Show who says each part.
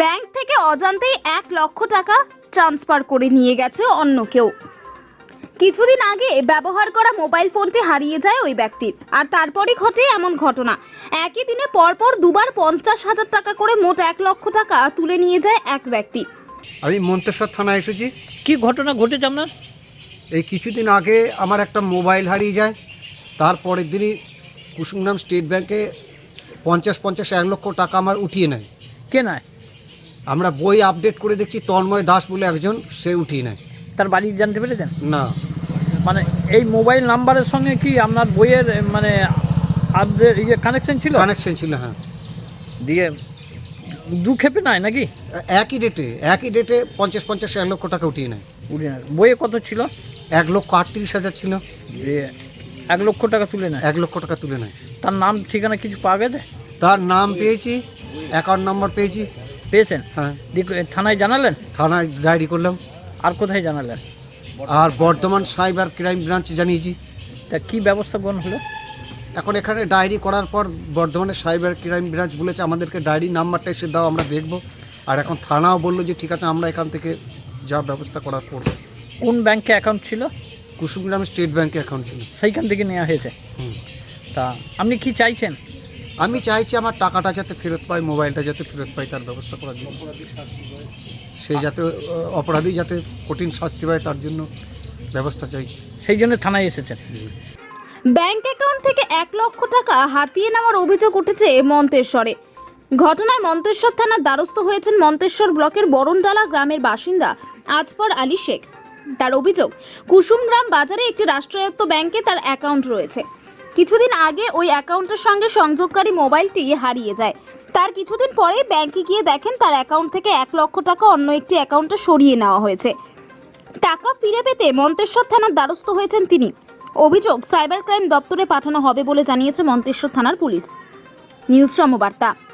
Speaker 1: Bank থেকে অজান্তেই 1 লক্ষ টাকা ট্রান্সফার করে নিয়ে গেছে অন্য কেউ। কিছুদিন আগে ব্যবহার করা মোবাইল ফোনটি হারিয়ে যায় ওই ব্যক্তির, আর তারপরই ঘটে এমন ঘটনা। একই দিনে পরপর দুবার 50,000 টাকা করে মোট 1 লক্ষ টাকা তুলে নিয়ে যায় এক ব্যক্তি।
Speaker 2: আমি মন্তেশ্বর থানায় এসেছি।
Speaker 3: কি ঘটনা ঘটেছে আপনার?
Speaker 2: এই কিছুদিন আগে আমার একটা মোবাইল হারিয়ে যায়, তারপরের দিনই কুসুমগ্রাম স্টেট ব্যাংকে 1 লক্ষ টাকা আমার উঠিয়ে নেয়।
Speaker 3: কে নয়?
Speaker 2: আমরা বই আপডেট করে দেখছি তন্ময় দাস বলে একজন, সে উঠিয়ে নেয়।
Speaker 3: তার বাড়ি জানতে পেরেছেন?
Speaker 2: না,
Speaker 3: মানে এই মোবাইল নাম্বারের সঙ্গে কি আপনার বইয়ের মানে আপডেট কানেকশন ছিল?
Speaker 2: কানেকশন ছিল, হ্যাঁ।
Speaker 3: দিয়ে দু খেপে নাই নাকি?
Speaker 2: একই ডেটে 1 লক্ষ টাকা উঠিয়ে নেয়।
Speaker 3: বইয়ে কত ছিল?
Speaker 2: 1,38,000 ছিল।
Speaker 3: দিয়ে 1 লক্ষ টাকা তুলে নেয়।
Speaker 2: 1 লক্ষ টাকা তুলে নেয়।
Speaker 3: তার নাম ঠিকানা কিছু পাওয়া গেছে?
Speaker 2: তার নাম পেয়েছি, অ্যাকাউন্ট নাম্বার পেয়েছি।
Speaker 3: পেয়েছেন?
Speaker 2: হ্যাঁ।
Speaker 3: থানায় জানালেন?
Speaker 2: থানায় ডায়েরি করলাম।
Speaker 3: আর কোথায় জানালেন?
Speaker 2: আর বর্ধমান সাইবার ক্রাইম ব্রাঞ্চে জানিয়েছি।
Speaker 3: তা কি ব্যবস্থা গ্রহণ হলো?
Speaker 2: এখন এখানে ডায়েরি করার পর বর্ধমানের সাইবার ক্রাইম ব্রাঞ্চ বলেছে আমাদেরকে ডায়েরি নাম্বারটা এসে দাও, আমরা দেখব। আর এখন থানাও বললো যে ঠিক আছে, আমরা এখান থেকে যা ব্যবস্থা করার করব।
Speaker 3: কোন ব্যাংকে অ্যাকাউন্ট ছিল?
Speaker 2: কুসুমগ্রাম স্টেট ব্যাংকে অ্যাকাউন্ট ছিল।
Speaker 3: সেইখান থেকে নেওয়া হয়েছে। তা আপনি কি চাইছেন?
Speaker 2: আমি চাইছি আমার টাকাটা যাতে ফেরত পাই, মোবাইলটা যাতে ফেরত পাই, তার ব্যবস্থা করার জন্য। সে যাতে অপরাধী যাতে কঠিন শাস্তি পায়, তার জন্য ব্যবস্থা চাইছি।
Speaker 3: সেই জন্য থানায় এসেছেন।
Speaker 1: ব্যাংক অ্যাকাউন্ট থেকে 1 লক্ষ টাকা হাতিয়ে নেওয়ার অভিযোগ উঠেছে মন্তেশ্বরে। ঘটনায় মন্তেশ্বর থানার দ্বারস্থ হয়েছেন মন্তেশ্বর ব্লকের বরণডালা গ্রামের বাসিন্দা আজফর আলী শেখ। তার অভিযোগ, কুসুমগ্রাম বাজারে একটি রাষ্ট্রায়ত্ত ব্যাংকে তার অ্যাকাউন্ট রয়েছে। কিছুদিন আগে ওই অ্যাকাউন্টের সঙ্গে সংযোগকারী মোবাইলটি হারিয়ে যায়। তার কিছুদিন পরে ব্যাংকে গিয়ে দেখেন তার অ্যাকাউন্ট থেকে 1 লক্ষ টাকা অন্য একটি অ্যাকাউন্টে সরিয়ে নেওয়া হয়েছে। টাকা ফিরে পেতে মন্তেশ্বর থানার দ্বারস্থ হয়েছেন তিনি। অভিযোগ সাইবার ক্রাইম দপ্তরে পাঠানো হবে বলে জানিয়েছে মন্তেশ্বর থানার পুলিশ। নিউজ সমবার্তা।